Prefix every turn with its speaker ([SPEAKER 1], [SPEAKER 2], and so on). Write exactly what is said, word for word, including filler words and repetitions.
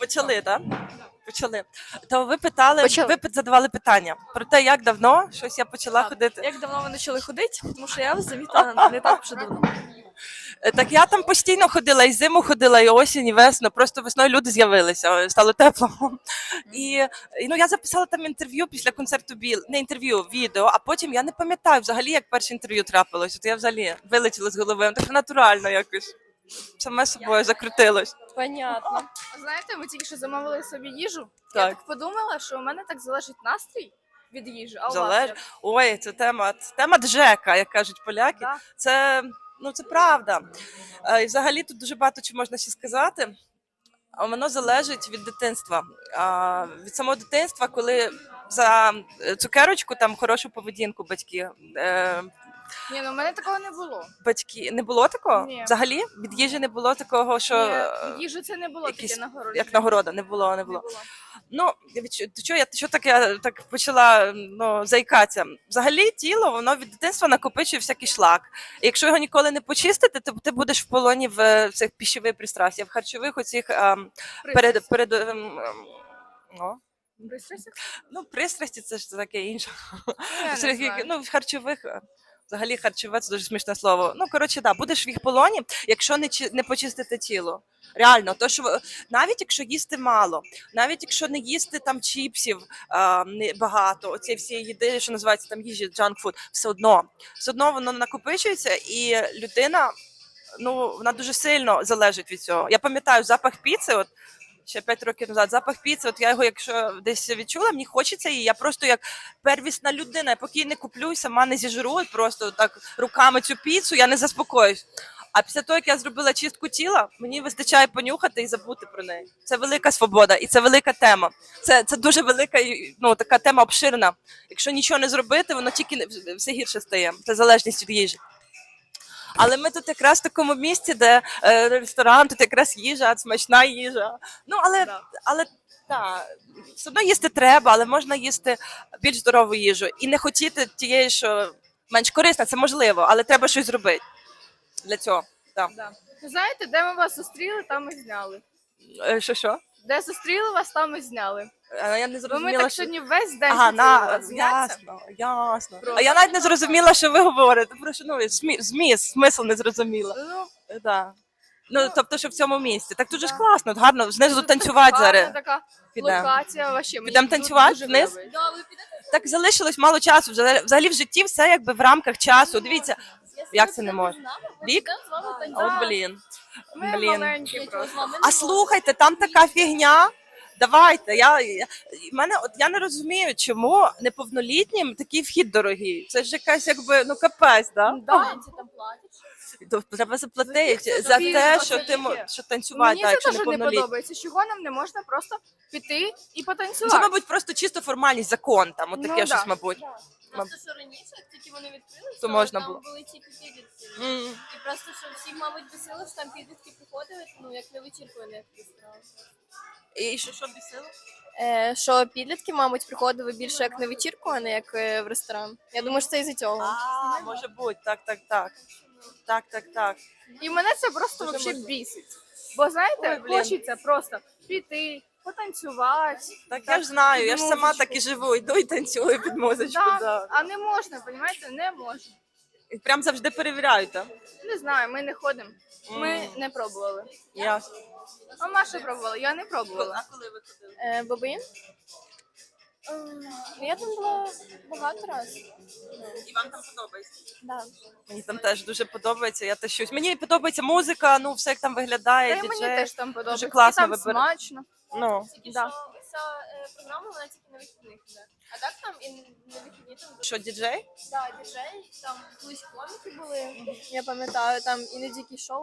[SPEAKER 1] Почали, так? Почали. То ви питали,
[SPEAKER 2] Почали.
[SPEAKER 1] ви задавали питання про те, як давно щось я почала
[SPEAKER 2] Так.
[SPEAKER 1] ходити.
[SPEAKER 2] Як давно ви почали ходити? Тому що я вас замітила не так вже давно.
[SPEAKER 1] Е, Так я там постійно ходила, і зиму ходила, і осінь, і весну. Просто весною люди з'явилися, стало тепло. І, і ну, я записала там інтерв'ю після концерту Біл, не інтерв'ю, відео, а потім я не пам'ятаю взагалі, як перше інтерв'ю трапилось. От я взагалі вилетіла з голови, так натурально якось. Саме собою закрутилось.
[SPEAKER 2] Понятно.
[SPEAKER 3] Знаєте, ми тільки що замовили собі їжу.
[SPEAKER 1] Так.
[SPEAKER 3] Я так подумала, що у мене так залежить настрій від їжі, а у
[SPEAKER 1] Залеж...
[SPEAKER 3] вас як?
[SPEAKER 1] Ой, це тема, це тема Джека, як кажуть поляки.
[SPEAKER 3] Да.
[SPEAKER 1] Це, ну, це правда. Е, І взагалі тут дуже багато чого можна ще сказати. А воно залежить від дитинства. А, від самого дитинства, коли за е, цукерочку там хорошу поведінку батьки. Е,
[SPEAKER 3] Ні, ну у мене такого не було.
[SPEAKER 1] батьки не було такого?
[SPEAKER 3] Ні.
[SPEAKER 1] Взагалі від їжі не було такого, що е,
[SPEAKER 3] Ні, їжі це не було
[SPEAKER 1] якісь-
[SPEAKER 3] таке нагородження.
[SPEAKER 1] як нагорода, не було, не
[SPEAKER 3] Не
[SPEAKER 1] було.
[SPEAKER 3] було.
[SPEAKER 1] Ну, від чо- що я що таке я так почала ну, заїкатися. Взагалі тіло воно від дитинства накопичує всякий шлак. І якщо його ніколи не почистити, то ти будеш в полоні в е, цих пищових пристрастях, в харчових оцих ем, перед,
[SPEAKER 3] Пристрасть.
[SPEAKER 1] перед ем, ем, о,
[SPEAKER 3] Пристрасть?
[SPEAKER 1] ну, пристрасті це ж таке інше.
[SPEAKER 3] Я не
[SPEAKER 1] Серед-
[SPEAKER 3] знаю.
[SPEAKER 1] ну, в харчових. е, Взагалі харчове це дуже смішне слово. Ну, коротше, да, будеш в їх полоні, якщо не, чи- не почистити тіло. Реально, то що ви- навіть якщо їсти мало, навіть якщо не їсти там чіпсів а, не багато, оці всі їди, що називається там їжі, junk food, все одно, все одно воно накопичується, і людина, ну, вона дуже сильно залежить від цього. Я пам'ятаю запах піци, от ще п'ять років назад, запах піци, от я його, якщо десь відчула, мені хочеться її. Я просто як первісна людина, я поки її не куплю і сама не зіжру, от просто так руками цю піцу, я не заспокоюсь. А після того, як я зробила чистку тіла, мені вистачає понюхати і забути про неї. Це велика свобода і це велика тема. Це, це дуже велика, і, ну, така тема обширна. Якщо нічого не зробити, воно тільки не- все гірше стає. Це залежність від їжі. Але ми тут якраз в такому місці, де е, ресторан, тут якраз їжа, смачна їжа. Ну, але,
[SPEAKER 3] Да.
[SPEAKER 1] але так, все одно їсти треба, але можна їсти більш здорову їжу. І не хотіти тієї, що менш корисна, це можливо, але треба щось зробити для цього. Так.
[SPEAKER 3] Да. Ну, знаєте, де ми вас зустріли, там і зняли.
[SPEAKER 1] Е, Що що?
[SPEAKER 3] Де зустріли вас, там і зняли.
[SPEAKER 1] Е, Я не
[SPEAKER 3] Бо ми
[SPEAKER 1] зрозуміла,
[SPEAKER 3] так
[SPEAKER 1] що...
[SPEAKER 3] сьогодні весь день
[SPEAKER 1] Ага,
[SPEAKER 3] хотіли
[SPEAKER 1] на,
[SPEAKER 3] вас зняти.
[SPEAKER 1] ясно, ясно.
[SPEAKER 3] Просто.
[SPEAKER 1] А я навіть не зрозуміла, що ви говорите. Прошу, ну, змі- зміст, смисл не зрозуміла.
[SPEAKER 3] Ну,
[SPEAKER 1] Е, Да. Ну,
[SPEAKER 3] Ну,
[SPEAKER 1] тобто, що в цьому місці. Так дуже ж
[SPEAKER 3] да.
[SPEAKER 1] класно, гарно, знизу
[SPEAKER 3] тут
[SPEAKER 1] танцювати
[SPEAKER 3] гарна
[SPEAKER 1] зараз.
[SPEAKER 3] така
[SPEAKER 1] Підемо.
[SPEAKER 3] локація вообще. Мені
[SPEAKER 1] Підемо
[SPEAKER 3] дуже-
[SPEAKER 1] танцювати
[SPEAKER 3] дуже
[SPEAKER 1] вниз?
[SPEAKER 3] подобається.
[SPEAKER 1] Так залишилось мало часу. Взагалі взагалі в житті все якби в рамках часу. Дивіться, як це не можна? Вік? От блін.
[SPEAKER 3] Ми
[SPEAKER 1] Блін.
[SPEAKER 3] маленькі просто.
[SPEAKER 1] А слухайте, там така фігня. Давайте. Я, я, і мене, от я не розумію, чому неповнолітнім такий вхід дорогий. Це ж якась якби ну капець, да?
[SPEAKER 3] Да.
[SPEAKER 1] То треба заплатити
[SPEAKER 3] це
[SPEAKER 1] за
[SPEAKER 3] тобі
[SPEAKER 1] те,
[SPEAKER 3] за
[SPEAKER 1] що
[SPEAKER 3] це
[SPEAKER 1] ти мо-
[SPEAKER 3] таке.
[SPEAKER 1] що танцювати,
[SPEAKER 3] Мені
[SPEAKER 1] так,
[SPEAKER 3] це
[SPEAKER 1] якщо
[SPEAKER 3] теж не
[SPEAKER 1] неповнолітній.
[SPEAKER 3] подобається. Чого нам не можна просто піти і
[SPEAKER 1] Це,
[SPEAKER 3] потанцювати?
[SPEAKER 1] мабуть, просто чисто формальність, закон там, от
[SPEAKER 3] Ну,
[SPEAKER 1] таке
[SPEAKER 3] да.
[SPEAKER 1] щось, мабуть.
[SPEAKER 4] Просто що раніше, як тільки вони відкрилися,
[SPEAKER 1] То можна
[SPEAKER 4] там
[SPEAKER 1] було.
[SPEAKER 4] були тільки підлітки.
[SPEAKER 1] М.
[SPEAKER 4] І просто, що всі, мабуть, бесили, що там підлітки приходили, ну, як на вечірку, а не як ресторан.
[SPEAKER 1] І що, що бісило?
[SPEAKER 2] Е, що підлітки, мабуть, приходили більше як на вечірку, а не як е, в ресторан. Я думаю, що це із-за цього.
[SPEAKER 1] А, може бути, так, так, так. Так, так, так.
[SPEAKER 3] І мене це просто
[SPEAKER 1] Дуже
[SPEAKER 3] вообще
[SPEAKER 1] можна.
[SPEAKER 3] бісить. Бо знаєте,
[SPEAKER 1] Ой, блін.
[SPEAKER 3] хочеться просто піти, потанцювати.
[SPEAKER 1] Так я ж знаю, я ж
[SPEAKER 3] під
[SPEAKER 1] сама
[SPEAKER 3] музичку.
[SPEAKER 1] так і живу, йду і танцюю під музичку.
[SPEAKER 3] Да.
[SPEAKER 1] Да.
[SPEAKER 3] А не можна, розумієте, не можна.
[SPEAKER 1] І прям завжди перевіряють, так?
[SPEAKER 3] Не знаю, ми не ходимо. Ми
[SPEAKER 1] М.
[SPEAKER 3] не пробували.
[SPEAKER 1] Ясно.
[SPEAKER 3] А Маша пробувала, я не пробувала.
[SPEAKER 1] А коли ви ходили?
[SPEAKER 2] Е, Бабин? Ем, Я там була багато разів.
[SPEAKER 1] І вам там подобається?
[SPEAKER 2] Да.
[SPEAKER 1] Мені там теж дуже подобається, я тащусь. Мені подобається музика, ну все як там виглядає,
[SPEAKER 3] Та й мені
[SPEAKER 1] діджей.
[SPEAKER 3] теж там подобається.
[SPEAKER 1] класно
[SPEAKER 3] І там
[SPEAKER 1] вибира-
[SPEAKER 3] смачно.
[SPEAKER 1] Ну,
[SPEAKER 4] Тільки
[SPEAKER 3] Да.
[SPEAKER 4] що вся е, програма, вона тільки на вихідних іде. А так там і на вихідні там
[SPEAKER 1] що, діджей?
[SPEAKER 4] да, діджей, там колись коміки були.
[SPEAKER 2] Я пам'ятаю, там іноді якісь шоу